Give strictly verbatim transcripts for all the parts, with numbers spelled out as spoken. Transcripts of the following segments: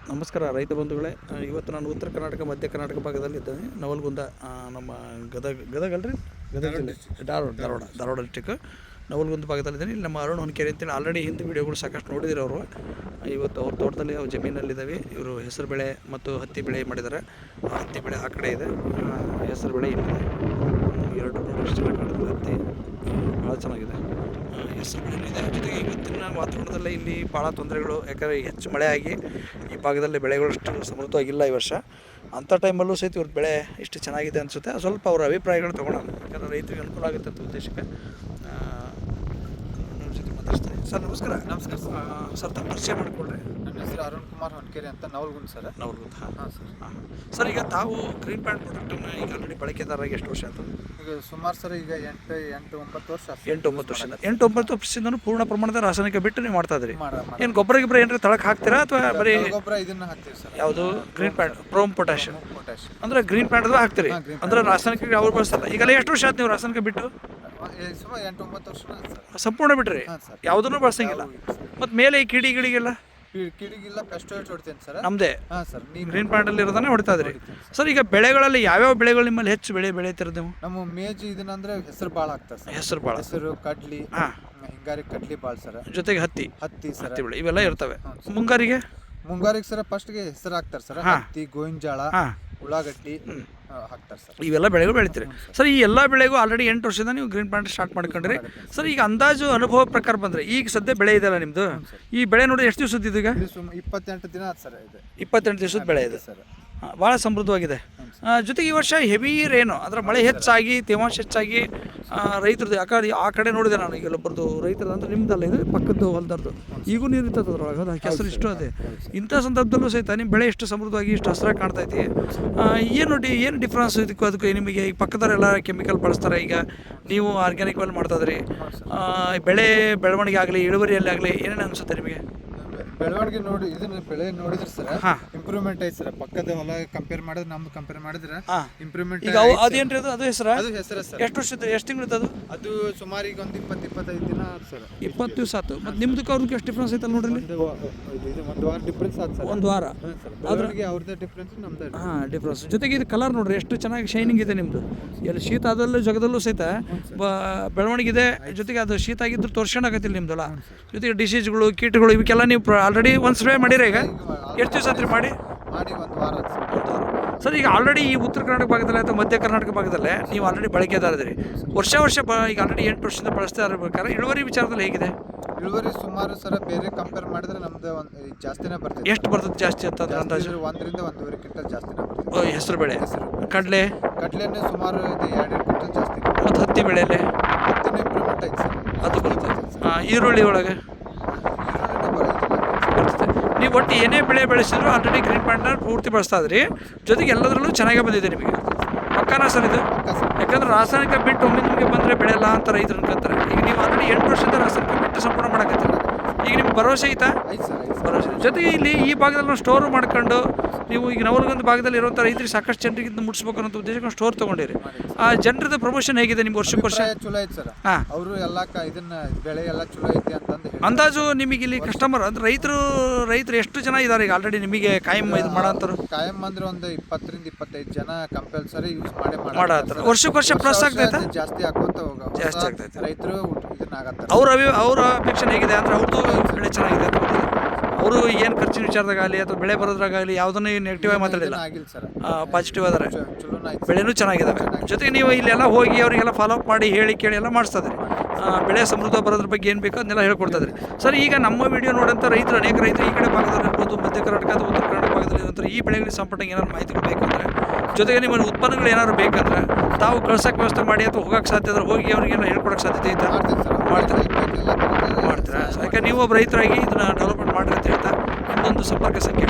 ನಮಸ್ಕಾರ ರೈತ ಬಂಧುಗಳೇ. ಇವತ್ತು ನಾನು ಉತ್ತರ ಕರ್ನಾಟಕ ಮಧ್ಯ ಕರ್ನಾಟಕ ಭಾಗದಲ್ಲಿದ್ದೇನೆ. ನವಲಗುಂದ ನಮ್ಮ ಗದಗ ಗದಗ ಅಲ್ರಿ ಗದಗ ಜಿಲ್ಲೆ ಧಾರವಾಡ ಧಾರವಾಡ ಧಾರವಾಡ ಡಿಸ್ಟಿಕ್ ನವಲಗುಂದ ಭಾಗದಲ್ಲಿದ್ದೇನೆ. ಇಲ್ಲಿ ನಮ್ಮ ಅರುಣ್ ಹೊನ್ಕೆರೆ ಅಂತೇಳಿ ಆಲ್ರೆಡಿ ಹಿಂದೆ ವೀಡಿಯೋಗಳು ಸಾಕಷ್ಟು ನೋಡಿದ್ರು ಅವರು. ಇವತ್ತು ಅವ್ರ ತೋಟದಲ್ಲಿ ಅವ್ರ ಜಮೀನಲ್ಲಿದ್ದಾವೆ. ಇವರು ಹೆಸರು ಬೆಳೆ ಮತ್ತು ಹತ್ತಿ ಬೆಳೆ ಮಾಡಿದ್ದಾರೆ. ಹತ್ತಿ ಬೆಳೆ ಆ ಕಡೆ ಇದೆ, ಹೆಸರು ಬೆಳೆ ಇಲ್ಲಿದೆ. ಎರಡು ಎಷ್ಟು ಚೆನ್ನಾಗಿ ಕಾಣ್ತದೆ ಹತ್ತಿ, ಭಾಳ ಚೆನ್ನಾಗಿದೆ. ಹೆಸರು ಬೆಳೆ ಇದೆ. ಜೊತೆಗೆ ಇವತ್ತಿನ ವಾತಾವರಣದಲ್ಲೇ ಇಲ್ಲಿ ಭಾಳ ತೊಂದರೆಗಳು, ಯಾಕಂದರೆ ಹೆಚ್ಚು ಮಳೆ ಆಗಿ ಈ ಭಾಗದಲ್ಲಿ ಬೆಳೆಗಳು ಅಷ್ಟು ಸಮೃದ್ಧವಾಗಿಲ್ಲ ಈ ವರ್ಷ. ಅಂಥ ಟೈಮಲ್ಲೂ ಸಹಿತ ಇವ್ರ ಬೆಳೆ ಇಷ್ಟು ಚೆನ್ನಾಗಿದೆ ಅನಿಸುತ್ತೆ. ಸ್ವಲ್ಪ ಅವರ ಅಭಿಪ್ರಾಯಗಳು ತೊಗೊಳೋಣ, ಯಾಕಂದರೆ ರೈತರಿಗೆ ಅನುಕೂಲ ಆಗುತ್ತೆ ಅಂತ ಉದ್ದೇಶಕ್ಕೆ ನಮ್ಮ ಜೊತೆ ಮಾತಾಡ್ತೀನಿ. ಸರ್ ನಮಸ್ಕಾರ. ನಮಸ್ಕಾರ ಸರ್. ಸರ್ ತಮ್ಮ ಪರಿಚಯ ಮಾಡಿಕೊಡ್ರಿ. ನನ್ನ ಹೆಸರು ಅರುಣ್ ಕುಮಾರ್ ಹೊನ್ಕೆರೆ ಅಂತ, ನವಲಗುಂದ ಸರ್. ನವಲಗುಂದ. ಹಾಂ ಹಾಂ ಸರ್. ಹಾಂ ಸರ್, ಈಗ ತಾವು ಗ್ರೀನ್ ಪ್ಯಾಂಟ್ ಪ್ರಾಡಕ್ಟನ್ನು ಈಗ ಆಲ್ರೆಡಿ ಬಳಕೆದಾರಾಗಿ ಎಷ್ಟು ವರ್ಷ ಆಯಿತು? ಈಗ ಸುಮಾರು ಸರ್ ಈಗ ಎಂಟು ಎಂಟು ಒಂಬತ್ತು ವರ್ಷ ಆಯ್ತು. ಎಂಟು ಒಂಬತ್ತು ವರ್ಷದಿಂದ ಎಂಟು ಒಂಬತ್ತು ವರ್ಷದಿಂದ ಪೂರ್ಣ ಪ್ರಮಾಣದ ರಾಸಾಯನಿಕ ಬಿಟ್ಟು ನೀವು ಮಾಡ್ತಾ ಇದ್ರಿ. ಮಾಡ ಏನು ಗೊಬ್ಬರ ಗಿಬ್ಬರ ಏನಾರ ತಳಕ್ಕೆ ಹಾಕ್ತೀರಾ ಅಥವಾ ಬರೀ ಗೊಬ್ಬರ ಇದನ್ನ ಹಾಕ್ತೀವಿ ಸರ್. ಯಾವುದು green plant PROM potash potash ಅಂದ್ರೆ ಗ್ರೀನ್ ಪ್ಯಾಂಟ್ ಅದು ಹಾಕ್ತೀರಿ? ಹಾಂ, green ಅಂದ್ರೆ ರಾಸಾಯನಿಕ ಅವ್ರು ಬಳಸಲ್ಲ. ಈಗೆಲ್ಲ ಎಷ್ಟು ವರ್ಷ ಆಯ್ತು ನೀವು ರಾಸಾಯನಿಕ ಬಿಟ್ಟು? ಸುಮಾರು ಎಂಟು ಒಂಬತ್ತು ವರ್ಷ ಆಯ್ತು ಸರ್. ಸಂಪೂರ್ಣ ಬಿಟ್ರಿ? ಹಾಂ ಸರ್. ಯಾವುದನ್ನು ಬಳಸಂಗಿಲ್ಲ? ಮತ್ತು ಮೇಲೆ ಈ ಕಿಡಿ ಗಿಡಿಗೆಲ್ಲ ಕಿ- ಕಿಡಿಗಿಲ್ಲ ಪೆಸ್ಟೋಯ್ಡ್ ಹೊಡ್ತೇನೆ ಸರ್. ನಮ್ಮದೇ ಹಾಂ ಸರ್. ನೀವು ಗ್ರೀನ್ ಪ್ಯಾಂಟಲ್ಲಿ ಇರೋದನ್ನೇ ಹೊಡಿತಾ ಇದ್ರಿ. ಸರ್, ಈಗ ಬೆಳೆಗಳಲ್ಲಿ ಯಾವ್ಯಾವ ಬೆಳೆಗಳು ನಿಮ್ಮಲ್ಲಿ ಹೆಚ್ಚು ಬೆಳೆ ಬೆಳೀತಿರೋದು ನೀವು? ನಮ್ಮ ಮೇಜ್ ಇದನ್ನ ಅಂದ್ರೆ ಹೆಸರು ಭಾಳ ಆಗ್ತದೆ ಸರ್. ಹೆಸರು ಭಾಳ, ಹೆಸರು, ಕಡ್ಲಿ, ಹಾಂ, ಹಿಂಗಾರಿ ಕಡ್ಲಿ ಭಾಳ ಸರ್. ಜೊತೆಗೆ ಹತ್ತಿ ಹತ್ತಿ ಸರ್. ಹತ್ತಿ ಬೆಳೆ ಇವೆಲ್ಲ ಇರ್ತವೆ. ಹ್ಞೂ ಸರ್. ಮುಂಗಾರಿಗೆ ಮುಂಗಾರಿಗೆ ಸರ್ ಫಸ್ಟ್ಗೆ ಹೆಸರು ಹಾಕ್ತಾರೆ ಸರ್. ಹಾಂ. ಹತ್ತಿ, ಗೋವಿನಜಾಳ, ಹಾಂ, ಉಳ್ಳಾಗಡ್ಡಿ ಆ, ಹಾಕ್ತಾರೆ ಸರ್. ಇವೆಲ್ಲ ಬೆಳೆಗಳು ಬೆಳಿತೀರಿ. ಸರ್, ಈ ಎಲ್ಲ ಬೆಳೆಗೂ ಆಲ್ರೆಡಿ ಎಂಟು ವರ್ಷದಿಂದ ನೀವು ಗ್ರೀನ್ ಪ್ಯಾಂಟ್ ಸ್ಟಾರ್ಟ್ ಮಾಡ್ಕೊಂಡ್ರಿ. ಸರ್, ಈಗ ಅಂದಾಜು ಅನುಭವ ಪ್ರಕಾರ ಬಂದರೆ ಈಗ ಸದ್ಯ ಬೆಳೆ ಇದೆಯಲ್ಲ ನಿಮ್ಮದು, ಈ ಬೆಳೆ ನೋಡಿ ಎಷ್ಟು ದಿವಸದ್ದು ಇದು? ಈಗ ಇದು ಸುಮ್ ಇಪ್ಪತ್ತೆಂಟು ದಿನ ಆಯ್ತು ಸರ್. ಇದು ಇಪ್ಪತ್ತೆಂಟು ದಿವಸದ ಬೆಳೆ ಇದೆ ಸರ್. ಭಾಳ ಸಮೃದ್ಧವಾಗಿದೆ. ಆ, ಜೊತೆಗೆ ಈ ವರ್ಷ ಹೆವಿ ರೇನು, ಅಂದರೆ ಮಳೆ ಹೆಚ್ಚಾಗಿ ತೇವಾಂಶ ಹೆಚ್ಚಾಗಿ ರೈತರದ್ದು ಆ ಕಡೆ ಆ ಕಡೆ ನೋಡಿದೆ ನಾನು. ಈಗ ಒಬ್ಬರದು ರೈತರದ್ದು ಅಂದರೆ ನಿಮ್ದಲ್ಲ, ಇದು ಪಕ್ಕದ್ದು ಹೊಲದರ್ದು ಈಗೂ ನೀರು ಇರ್ತದೆ ಅದ್ರೊಳಗೆ, ಅದು ಕೆಸರು ಇಷ್ಟು ಅದೇ. ಇಂಥ ಸಂದರ್ಭದಲ್ಲೂ ಸಹಿತ ನಿಮ್ಮ ಬೆಳೆ ಎಷ್ಟು ಸಮೃದ್ಧವಾಗಿ ಇಷ್ಟು ಹಸಿರಾಗಿ ಕಾಣ್ತೈತಿ. ಏನು ಡಿ ಏನು ಡಿಫ್ರೆನ್ಸ್ ಇದಕ್ಕೂ ಅದಕ್ಕೆ ನಿಮಗೆ? ಈಗ ಪಕ್ಕದವರೆಲ್ಲ ಕೆಮಿಕಲ್ ಬಳಸ್ತಾರೆ, ಈಗ ನೀವು ಆರ್ಗ್ಯಾನಿಕ್ ವೆಲ್ ಮಾಡ್ತಾ ಇದ್ರಿ. ಬೆಳೆ ಬೆಳವಣಿಗೆ ಆಗಲಿ ಇಳುವರಿಯಲ್ಲಿ ಆಗಲಿ ಏನೇನು ಅನಿಸುತ್ತೆ ನಿಮಗೆ? ಬೆಳವಣಿಗೆ ನೋಡಿ ಇದನ್ನ ಬೆಳೆ ನೋಡಿದ್ರೆ ಸರ್ ಹಾಂ, ಇಂಪ್ರೂವ್ಮೆಂಟ್ ಐತೆ ಸರ್. ಪಕ್ಕದ ಹೊಲ ಕಂಪೇರ್ ಮಾಡಿದ್ರೆ ನಮ್ದು ಕಂಪೇರ್ ಮಾಡಿದ್ರೆ ಹಾಂ, ಇಂಪ್ರೂವ್ಮೆಂಟ್. ಈಗ ಅವು ಅದೇನ್ರಿ ಅದು ಅದು ಹೆಸರು ಅದು ಹೆಸರು ಸರ್. ಎಷ್ಟು ವರ್ಷದ ಎಷ್ಟು ತಿಂಗಳು ಅದು? ಅದು ಸುಮಾರು ಈಗ ಒಂದು ಇಪ್ಪತ್ತು ಇಪ್ಪತ್ತೈದು ದಿನ ಆಯ್ತು ಸರ್. ಇಪ್ಪತ್ತು ದಿವಸ ಆಯ್ತು. ಮತ್ತು ನಿಮ್ದಕ್ಕೆ ಅವ್ರಿಗೆ ಎಷ್ಟು ಡಿಫ್ರೆನ್ಸ್ ಐತಲ್ಲ ನೋಡ್ರಿ. ಒಂದು ವಾ- ಇದು ಇದು ಒಂದು ವಾರ ಡಿಫ್ರೆನ್ಸ್ ಆಯ್ತು ಸರ್. ಒಂದು ವಾರ. ಹಾಂ ಸರ್. ಬೆಳವಣಿಗೆ ಅವ್ರದ್ದೇ ಡಿಫ್ರೆನ್ಸ್ ನಮ್ದು. ಹಾಂ, ಡಿಫ್ರೆನ್ಸ್. ಜೊತೆಗೆ ಇದು ಕಲರ್ ನೋಡ್ರಿ ಎಷ್ಟು ಚೆನ್ನಾಗಿ ಶೈನಿಂಗ್ ಇದೆ ನಿಮ್ಮದು. ಎಲ್ಲಿ ಶೀತ ಆದಲ್ಲೂ ಜಗದಲ್ಲೂ ಸಹಿತ ಬ ಬೆಳವಣಿಗೆ ಇದೆ. ಜೊತೆಗೆ ಅದು ಶೀತ ಆಗಿದ್ದು ತೋರ್ಸ್ಕೊಂಡಾಗತ್ತಿಲ್ಲ ನಿಮ್ದಲ್ಲ. ಜೊತೆಗೆ ಡಿಸೀಸ್ಗಳು, ಕೀಟಗಳು ಇವಕ್ಕೆಲ್ಲ ನೀವು ಆಲ್ರೆಡಿ ಒಂದು ಸ್ಪ್ರೇ ಮಾಡಿರಿ. ಈಗ ಎಷ್ಟು ದಿವಸ ಆತ್ರಿ ಮಾಡಿ? ಮಾಡಿ ಒಂದು ವಾರ ಆಯ್ತು ಸರ್. ಒಂದು ವಾರ. ಸರ್, ಈಗ ಆಲ್ರೆಡಿ ಈ ಉತ್ತರ ಕರ್ನಾಟಕ ಭಾಗದಲ್ಲಿ ಅಥವಾ ಮಧ್ಯ ಕರ್ನಾಟಕ ಭಾಗದಲ್ಲೇ ನೀವು ಆಲ್ರೆಡಿ ಬಳಕೆದಾರಿದ್ರಿ. ವರ್ಷ ವರ್ಷ ಬ ಈಗ ಆಲ್ರೆಡಿ ಎಂಟು ವರ್ಷದಿಂದ ಬಳಸ್ತಾ ಇರ್ಬೇಕಾದ್ರೆ ಇಳುವರಿ ವಿಚಾರದಲ್ಲಿ ಹೇಗಿದೆ? ಇಳುವರಿ ಸುಮಾರು ಸರ ಬೇರೆ ಕಂಪೇರ್ ಮಾಡಿದ್ರೆ ನಮ್ದು ಒಂದು ಜಾಸ್ತಿನೇ ಬರ್ತದೆ. ಎಷ್ಟು ಬರ್ತದೆ ಜಾಸ್ತಿ ಅಂತಂದ್ರೆ ಅಂದಾಜು? ಜಾಸ್ತಿ ಒಂದರಿಂದ ಒಂದೂವರೆ ಕ್ವಿಂಟಲ್ ಜಾಸ್ತಿನೇ ಬರ್ತದೆ. ಓ, ಹೆಸರು ಬೆಳೆ, ಹೆಸರು ಕಡಲೆ, ಕಡ್ಲೆನೇ ಸುಮಾರು ಇದು ಎರಡು ಕ್ವಿಂಟಲ್ ಜಾಸ್ತಿ. ಮತ್ತು ಹತ್ತಿ ಬೆಳೆಯಲ್ಲೇ ಹತ್ತಿನ ಇಂಪ್ರೂವ್ಮೆಂಟ್ ಐತೆ ಸರ್. ಅದು ಬರುತ್ತೆ. ಹಾಂ, ಈರುಳ್ಳಿ ಒಳಗೆ ಈರುಳ್ಳಿನೇ ಬರುತ್ತೆ. ಬರ್ತದೆ. ನೀವು ಒಟ್ಟು ಏನೇ ಬೆಳೆ ಬೆಳೆಸಿದ್ರು ಆಲ್ರೆಡಿ ಗ್ರೀನ್ ಪ್ಯಾಂಟ್ನ ಪೂರ್ತಿ ಬಳಸ್ತಾ ಇದ್ರಿ. ಜೊತೆಗೆ ಎಲ್ಲದರಲ್ಲೂ ಚೆನ್ನಾಗೇ ಬಂದಿದೆ ನಿಮಗೆ. ಪಕ್ಕಾನ ಸರ್ ಇದು? ಪಕ್ಕ ಸರ್. ಯಾಕಂದ್ರೆ ರಾಸಾಯನಿಕ ಬಿಟ್ಟು ಒಮ್ಮೆ ನಿಮಗೆ ಬಂದರೆ ಬೆಳೆಯಲ್ಲ ಅಂತ ರೈತರು ಅನ್ಕೊಂತಾರೆ. ಈಗ ನೀವು ಆಲ್ರೆಡಿ ಎಂಟು ವರ್ಷದಿಂದ ರಾಸಾಯನಿಕ ಬಿಟ್ಟು ಸಂಪೂರ್ಣ ಮಾಡಕತ್ತೀರ. ಈಗ ನಿಮ್ಗೆ ಭರವಸೆ ಐತಾ? ಐತೆ ಸರ್, ಐತೆ ಸರ್. ಭರವಸೆ. ಜೊತೆಗೆ ಇಲ್ಲಿ ಈ ಭಾಗದಲ್ಲಿ ನಾವು ಸ್ಟೋರ್ ಮಾಡ್ಕೊಂಡು ನೀವು ಈಗ ನವಲಗುಂದ ಭಾಗದಲ್ಲಿ ಇರುವಂಥ ರೈತರಿಗೆ ಸಾಕಷ್ಟು ಜನರಿಗೆ ಇದನ್ನ ಮುಟ್ಟಿಸ್ಬೇಕು ಅನ್ನೋ ಉದ್ದೇಶಕ್ಕೆ ಸ್ಟೋರ್ ತೊಗೊಂಡಿರಿ. ಆ ಜನರದ ಪ್ರಮೋಷನ್ ಹೇಗಿದೆ ನಿಮ್ಗೆ ವರ್ಷಕ್ಕೆ ವರ್ಷ? ಅಭಿಪ್ರಾಯ ಚಲೋ ಐತೆ ಸರ್. ಹಾಂ, ಅವರು ಎಲ್ಲ ಕ ಇದನ್ನ ಬೆಳೆ ಎಲ್ಲ ಚಲೋ ಐತಿ ಅಂತಂದು ಹೇಳಿ. ಅಂದಾಜು ನಿಮಗೆ ಇಲ್ಲಿ ಕಸ್ಟಮರ್ ಅಂದ್ರೆ ರೈತರು ರೈತರು ಎಷ್ಟು ಜನ ಇದ್ದಾರೆ ಈಗ ಆಲ್ರೆಡಿ ನಿಮಗೆ ಕಾಯಂ ಇದು ಮಾಡೋಂಥವ್ರು? ಕಾಯಂ ಅಂದ್ರೆ ಒಂದು ಇಪ್ಪತ್ತರಿಂದ ಇಪ್ಪತ್ತೈದು ಜನ ಕಂಪಲ್ಸರಿ ಯೂಸ್ ಮಾಡೇ ಮಾಡತ್ತಾರ. ವರ್ಷಕ್ಕೆ ವರ್ಷ ಪ್ಲಸ್ ಆಗ್ತೈತೆ? ಜಾಸ್ತಿ ಹಾಕೋತ ಹೋಗ ಜಾಸ್ತಿ ಆಗ್ತೈತೆ. ರೈತರು ಇದನ್ನ ಆಗತ್ತಾರೆ. ಅವ್ರ ಅಭಿ ಅವ್ರ ಅಪೇಕ್ಷೆ ಹೇಗಿದೆ ಅಂದ್ರೆ ಅವ್ರದ್ದು ಬೆಳೆ ಚೆನ್ನಾಗಿದೆ ಅಂತ ಗೊತ್ತಿದೆ. ಅವರು ಏನು ಖರ್ಚಿನ ವಿಚಾರದಾಗಲಿ ಅಥವಾ ಬೆಳೆ ಬರೋದ್ರಾಗಲಿ ಯಾವುದನ್ನು ನೆಗೆಟಿವ್ ಆಗಿ ಮಾತಾಡಿಲ್ಲ, ಆಗಿಲ್ಲ ಸರ್. ಪಾಸಿಟಿವ್ ಅದಾರೆ. ಚಲೋನ ಐತೆ. ಬೆಳೆನೂ ಚೆನ್ನಾಗಿದ್ದಾವೆ. ಜೊತೆಗೆ ನೀವು ಇಲ್ಲೆಲ್ಲ ಹೋಗಿ ಅವರಿಗೆಲ್ಲ ಫಾಲೋ ಅಪ್ ಮಾಡಿ ಹೇಳಿ ಕೇಳಿ ಎಲ್ಲ ಮಾಡಿಸ್ತಾ ಇದ್ರಿ. ಬೆಳೆ ಸಮೃದ್ಧ ಬರೋದ್ರ ಬಗ್ಗೆ ಏನು ಬೇಕೋ ಅದನ್ನೆಲ್ಲ ಹೇಳ್ಕೊಡ್ತಾ ಇದ್ರಿ. ಸರ್, ಈಗ ನಮ್ಮ ವಿಡಿಯೋ ನೋಡೋಂಥ ರೈತರು ಅನೇಕ ರೈತರು ಈ ಕಡೆ ಭಾಗದಲ್ಲಿ ಇರ್ಬೋದು, ಮಧ್ಯ ಕರ್ನಾಟಕ ಅಥವಾ ಉತ್ತರ ಕರ್ನಾಟಕ ಭಾಗದಲ್ಲಿ ಇರುವಂಥ ಈ ಬೆಳೆಗಳಿಗೆ ಸಂಪರ್ಕ ಏನಾದ್ರು ಮಾಹಿತಿಗಳು ಬೇಕಂದ್ರೆ, ಜೊತೆಗೆ ನಿಮ್ಮ ಉತ್ಪನ್ನಗಳು ಏನಾದ್ರು ಬೇಕಂದ್ರೆ ತಾವು ಕಳ್ಸೋಕ್ಕೆ ವ್ಯವಸ್ಥೆ ಮಾಡಿ ಅಥವಾ ಹೋಗೋಕ್ಕೆ ಸಾಧ್ಯ ಇದ್ರೆ ಹೋಗಿ ಅವರಿಗೆಲ್ಲ ಹೇಳ್ಕೊಡೋಕ್ಕೆ ಸಾಧ್ಯತೆ ಐತಾ? ಮಾಡ್ತೀನಿ ಸರ್. ಮಾಡ್ತಾರೆ. ಎಲ್ಲ ಥರದ ಮಾಡ್ತೀರಾ? ಯಾಕೆ ನೀವು ಒಬ್ಬ ರೈತರಾಗಿ ಇದನ್ನು ಡೆವಲಪ್ಮೆಂಟ್ ಮಾಡಿರಿ ಅಂತ ಹೇಳ್ತಾ ನಿಮ್ಮದೊಂದು ಸಂಪರ್ಕ ಸಂಖ್ಯೆ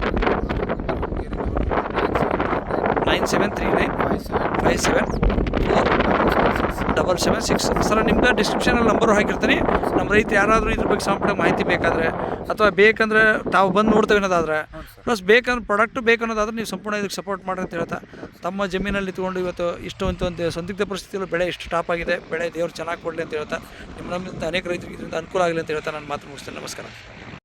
nine seven three nine five seven four double seven six. Sir, ನಿಮ್ಗೆ ಡಿಸ್ಕ್ರಿಪ್ಷನಲ್ಲಿ ನಂಬರು ಹಾಕಿರ್ತೀನಿ. ನಮ್ಮ ರೈತ ಯಾರಾದರೂ ಇದ್ರ ಬಗ್ಗೆ ಸಂಪೂರ್ಣ ಮಾಹಿತಿ ಬೇಕಾದರೆ ಅಥವಾ ಬೇಕಂದ್ರೆ ತಾವು ಬಂದು ನೋಡ್ತೇವೆ ಅನ್ನೋದಾದ್ರೆ, ಪ್ಲಸ್ ಬೇಕಂದ್ರೆ ಪ್ರಾಡಕ್ಟು ಬೇಕು ಅನ್ನೋದಾದ್ರೆ ನೀವು ಸಂಪೂರ್ಣ ಇದಕ್ಕೆ ಸಪೋರ್ಟ್ ಮಾಡ್ರಿ ಅಂತ ಹೇಳ್ತಾ ತಮ್ಮ ಜಮೀನಲ್ಲಿ ಇಟ್ಕೊಂಡು ಇವತ್ತು ಇಷ್ಟು ಅಂತ ಒಂದು ಸಂದಿಗ್ಧ ಪರಿಸ್ಥಿತಿಯಲ್ಲಿ ಬೆಳೆ ಇಷ್ಟು ಟಾಪ್ ಆಗಿದೆ. ಬೆಳೆ ದೇವ್ರು ಚೆನ್ನಾಗಿ ಕೊಡಲಿ ಅಂತ ಹೇಳ್ತಾ ನಿಮ್ಮ ನಮ್ಮಿಂದ ಅನೇಕ ರೈತರಿಗೆ ಇದರಿಂದ ಅನುಕೂಲ ಆಗಲಿ ಅಂತ ಹೇಳ್ತಾ ನಾನು ಮಾತು ಮುಗಿಸ್ತೇನೆ. ನಮಸ್ಕಾರ.